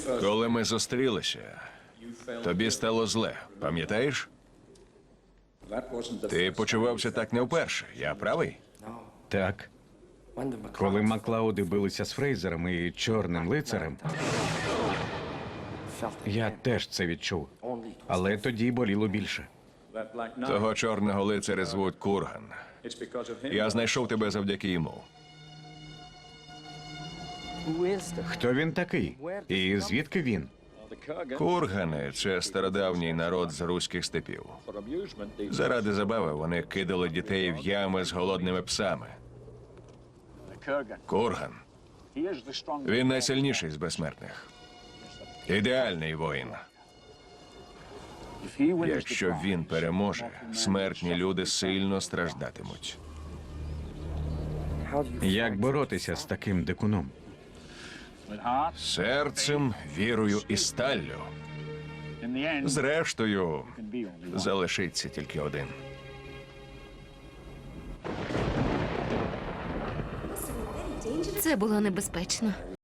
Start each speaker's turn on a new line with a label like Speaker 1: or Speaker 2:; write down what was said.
Speaker 1: Коли ми зустрілися, тобі стало зле, пам'ятаєш? Ти почувався так не вперше, я правий?
Speaker 2: Так. Коли Маклауди билися з Фрейзером і Чорним лицарем, я теж це відчув. Але тоді боліло більше.
Speaker 1: Того чорного лицаря звуть Курган. Я знайшов тебе завдяки йому.
Speaker 2: Хто він такий? І звідки він?
Speaker 1: Кургани – це стародавній народ з руських степів. Заради забави вони кидали дітей в ями з голодними псами. Курган – він найсильніший з безсмертних. Ідеальний воїн. Якщо він переможе, смертні люди сильно страждатимуть.
Speaker 2: Як боротися з таким дикуном?
Speaker 1: Серцем, вірою і сталлю. Зрештою, залишиться тільки один.
Speaker 3: Це було небезпечно.